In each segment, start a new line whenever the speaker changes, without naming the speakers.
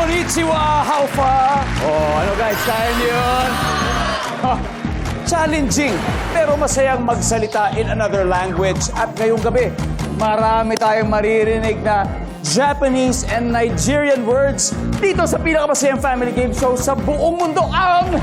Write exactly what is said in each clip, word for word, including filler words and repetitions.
Konnichiwa! How far? Oh, ano guys, kaya niyo yun? Ha, challenging, pero masayang magsalita in another language. At ngayong gabi, marami tayong maririnig na Japanese and Nigerian words dito sa pinakamasayang family game show sa buong mundo, ang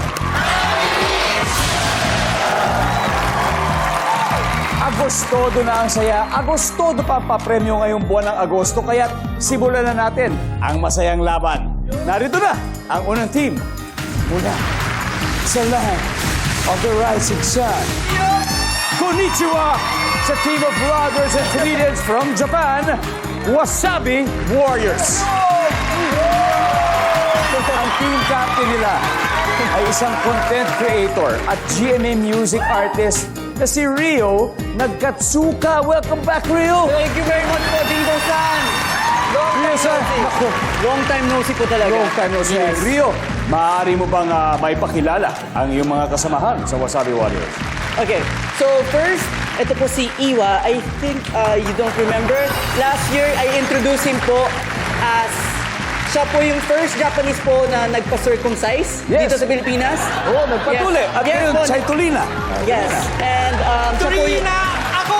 Agostodo na ang saya. Agostodo pa ang papremyo ngayong buwan ng Agosto, kaya simulan na natin ang masayang laban. Narito na ang unang team mula sa land of the rising sun. Konnichiwa sa team of vloggers and comedians from Japan, Wasabi Warriors. Ang team captain nila ay isang content creator at G M A music artist na si Rio Nagkatsuka. Welcome back, Rio!
Thank you very much po, Dingo-san! Long
Rio,
time
sir.
no see.
Naku,
Long time no see po talaga.
long time no see.
Yes.
Rio, maaari mo bang uh, maipakilala ang iyong mga kasamahan sa Wasabi Warriors?
Okay, so first, ito po si Iwa. I think uh, you don't remember. Last year, I introduced him po as siya po yung first Japanese po na nagpa-circumcise
Yes.
dito sa Pilipinas.
Oo, oh, nagpatuli.
Yes.
At
Yes
ngayon,
po.
Chaitolina.
Yes. And um, siya po yung...
Ako!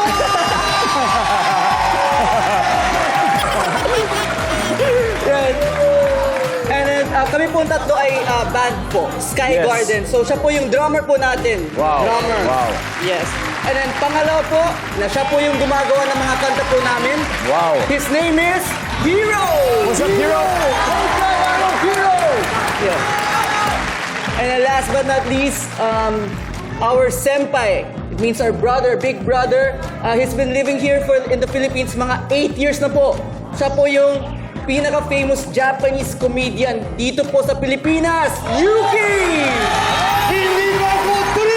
Yan. And then, uh, kami po ang tatlo ay uh, band po, Sky
Yes.
Garden. So siya po yung drummer po natin.
Wow.
Drummer.
Wow.
Yes. And then pangalawa po, na siya po yung gumagawa ng mga kanta po namin.
Wow.
His name is Hero!
What's up, Hero? Hello, Hero!
Yeah. And then last but not least, um, our senpai. It means our brother, big brother. Uh, he's been living here for in the Philippines mga eight years na po. Siya po yung pinaka-famous Japanese comedian dito po sa Pilipinas, Yuki! Hindi mo ko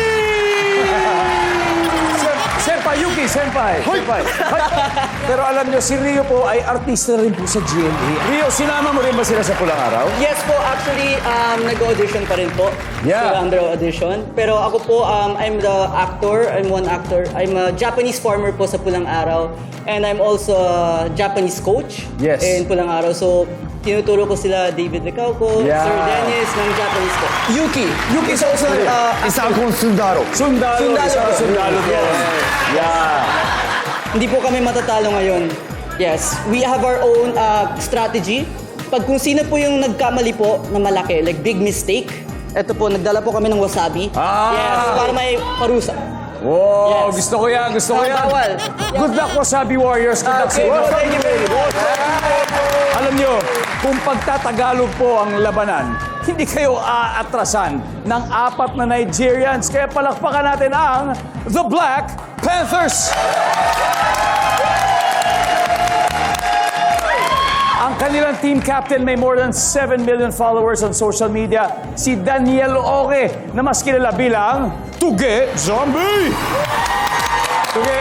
Senpai, Yuki, Senpai. Senpai. Hay. Pero alam nyo, si Rio po ay artista rin po sa G M A. Rio, sinama mo rin ba sila sa Pulang Araw?
Yes po, actually, um, nag-audition pa rin po.
Yeah.
Sila under audition. Pero ako po, um, I'm the actor. I'm one actor. I'm a Japanese farmer po sa Pulang Araw. And I'm also a Japanese coach
Yes.
in Pulang Araw. So, tinuturo ko sila David Lecauco,
Yeah.
Sir Dennis ng Japanese po. Yuki. Yuki is also uh,
Isa akong sundaro.
Sundalo.
Sundalo.
Isang sundalo doon.
Yes.
Yeah.
Hindi po kami matatalo ngayon. Yes, we have our own uh, strategy. Pag kung sino po yung nagkamali po na malaki, like big mistake, eto po, nagdala po kami ng wasabi.
Ah!
Yes, para may parusa.
Wow,
Yes.
gusto ko yan, gusto ko
Ah,
yan.
bawal.
Good luck, Wasabi Warriors. Good luck
Okay,
sa
well, thank you very much.
Alam nyo, kung pagtatagalog po ang labanan, hindi kayo aatrasan ng apat na Nigerians. Kaya palakpakan natin ang The Black Panthers. Ang kanilang team captain may more than seven million followers on social media, si Daniel Oke, na mas kilala bilang Tuge Zombie. Tuge,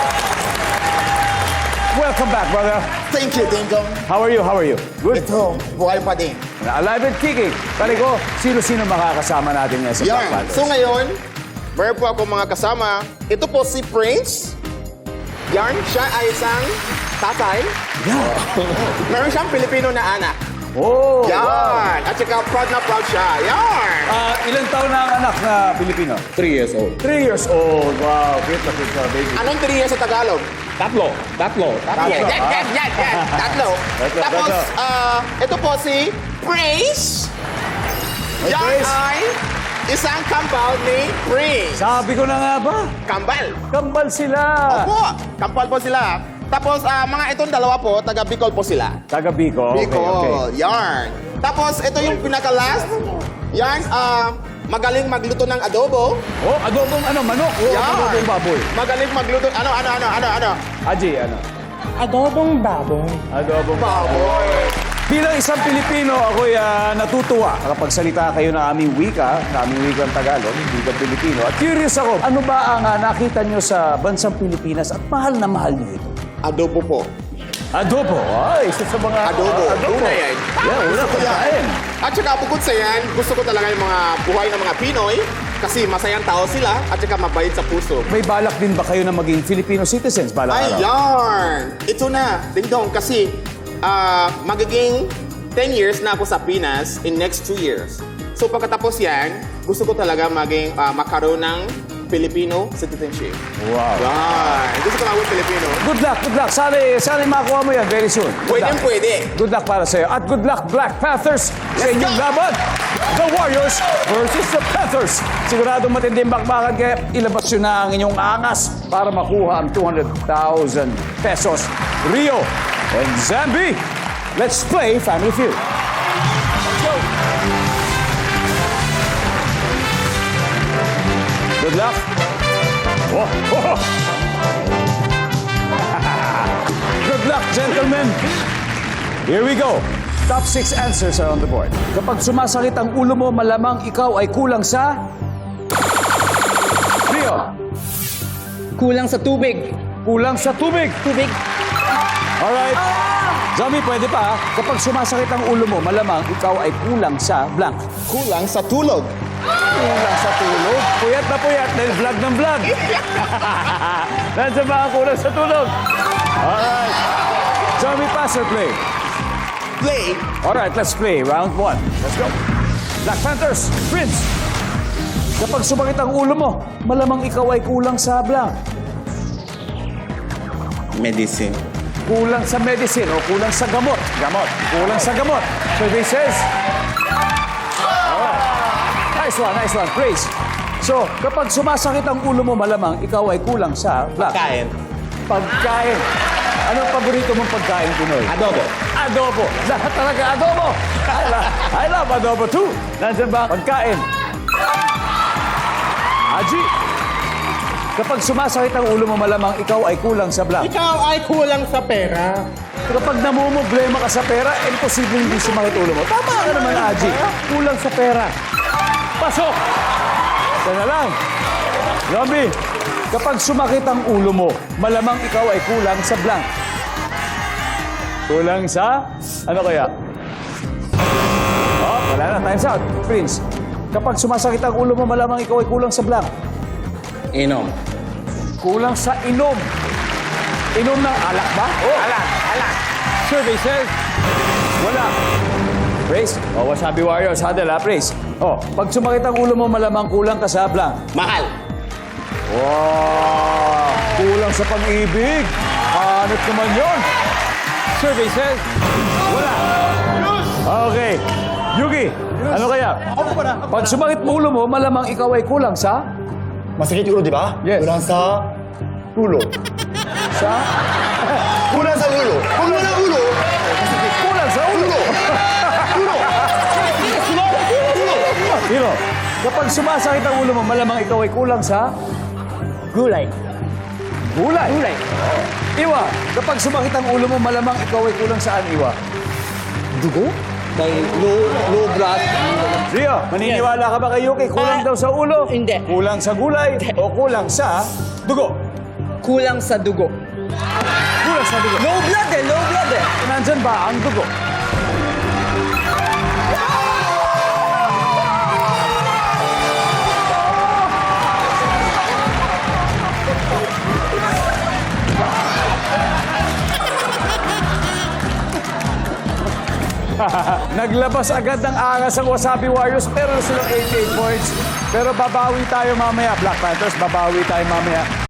welcome back, brother.
Thank you, Dingdong.
How are you? How are you? Good.
Ito, buhay pa din.
Alive and kicking. Tali ko, sino-sino makakasama natin ngayon sa Black
Yan.
Panthers?
So ngayon, meron po ako mga kasama. Ito po si Prince. Yan, siya ay isang tatay.
Yeah.
Meron siyang Pilipino na anak.
Oh,
Yan.
wow.
At saka proud na proud siya. Yan.
Ah, ilang taon na ang anak na Pilipino?
Three years old.
Three years old. Wow, cute na cute na baby.
Anong tiriya sa Tagalog?
Tatlo. Tatlo. Tatlo.
Yan, yan, yan, yan, yan. Tatlo.
Tatlo,
Tapos,
tatlo.
ah, ito po si Prince.
Hey,
Yan
Prince.
ay isang kambal ni Prince.
Sabi ko na nga ba?
Kambal.
Kambal sila.
Opo, kambal po sila. Tapos, ah, mga itong dalawa po, taga Bicol po sila.
Taga Bicol. Okay,
Bicol,
okay.
yarn. Tapos, ito yung pinaka-last. Yarn, ah, magaling magluto ng adobo.
Oh, adobong ano, manok. Oh,
Yarn.
adobong baboy.
Magaling magluto, ano, ano, ano, ano, ano?
Aji, ano?
Adobong baboy.
Adobong
Baboy.
Bilang isang Pilipino, ako'y ah, natutuwa kapag salita kayo ng aming wika, ng aming wikang Tagalog, wikang Pilipino. At curious ako, ano ba ang ah, nakita nyo sa bansang Pilipinas at mahal na mahal nyo ito?
Adobo po.
Adobo. Ay, isa sa mga...
Adobo.
adobo.
Una yan.
Yeah, una
Gusto ko yan.
pagkain.
At saka bukod sa yan, gusto ko talaga yung mga buhay ng mga Pinoy kasi masayang tao sila at saka mabait sa puso.
May balak din ba kayo na maging Filipino citizens balang
Ay,
araw?
yarn! Ito na, dingdong, kasi ah, magiging ten years na ako sa Pinas in next two years. So pagkatapos yan, gusto ko talaga maging ah, makaroon ng Filipino citizenship.
Wow.
Yan. Gusto ko maging Filipino.
Good luck, good luck. Sana, sana makuha mo yan very soon. Good
Pwede,
luck.
pwede.
Good luck para sa'yo. At good luck, Black Panthers, sa
Let's
inyong
go!
laban. The Warriors versus the Panthers. Siguradong matinding bakbakan kaya ilabas nyo na ang inyong angas para makuha ang two hundred thousand pesos. Rio and Zambi, let's play Family Feud. Let's go. Good luck. Oh, oh. Good luck, gentlemen. Here we go. Top six answers are on the board. Kapag sumasakit ang ulo mo, malamang ikaw ay kulang sa... Rio,
Kulang sa tubig.
kulang sa tubig.
Tubig.
Alright. Zombie, pwede pa. ha? Kapag sumasakit ang ulo mo, malamang ikaw ay kulang sa blank.
Kulang sa tulog.
Kulang sa tulog. Puyat na puyat dahil vlog ng vlog. Nandiyan ba ang kulang sa tulog? Alright. Zombie, pass or play?
Play.
Alright, let's play. Round one. Let's go. Black Panthers, Prince. Kapag sumakit ang ulo mo, malamang ikaw ay kulang sa blank.
Medicine.
Kulang sa medicine o kulang sa gamot. Gamot. Kulang sa gamot. So this says... Alright. Nice one, nice one. Praise. So, kapag sumasakit ang ulo mo, malamang ikaw ay kulang sa blank.
Kain.
Pagkain. Anong paborito mong pagkain, Pinoy?
Adobo.
Adobo. Lahat talaga adobo. I love, I love adobo too. Nandiyan ba? Pagkain. Aji. Kapag sumasakit ang ulo mo, malamang ikaw ay kulang sa blank.
Ikaw ay kulang sa pera.
Kapag namumblema ka sa pera, imposible hindi sumakit ulo mo. Tama ka naman, Aji. Kulang sa pera. Pasok! Ito na lang. Zombie, kapag sumakit ang ulo mo, malamang ikaw ay kulang sa blank. Kulang sa... Ano kaya? Oh, wala na. Time's out. Prince, kapag sumasakit ang ulo mo, malamang ikaw ay kulang sa blank.
Inom.
Kulang sa inom. Inom ng alak ba? Oh.
Alak, alak.
Survey says, wala. Praise. Oh, Wasabi Warriors, handle ha, Praise. Oh, pag sumakit ang ulo mo, malamang kulang ka sa blank.
Mahal.
Wow! Kulang sa pag-ibig. Hanot naman yun. Survey says, wala. Okay. Yugi, ano kaya? Pag sumakit mo ulo mo, malamang ikaw ay kulang sa...
Masakit yung ulo, di ba?
Yes.
Kulang sa ulo.
Sa...
Kulang sa ulo. Kulang sa ulo.
Kulang sa ulo.
Ulo.
Hiro, kapag sumasakit ang ulo mo, malamang ikaw ay kulang sa...
Gulay.
Gulay. Gulay. Iwa, kapag sumakit ang ulo mo, malamang ikaw ay kulang saan, Iwa?
Dugo? Dahil low, low blood.
Rio, maniniwala ka ba kay Yuki? Kulang
Ah,
daw sa ulo?
hindi.
Kulang sa gulay? O kulang sa dugo?
Kulang sa dugo.
Kulang sa dugo.
Low blood eh, low blood eh.
Nandyan ba ang dugo? Naglabas agad ng angas ang Wasabi Warriors pero silang eighty-eight points. Pero babawi tayo mamaya, Black Panthers, babawi tayo mamaya.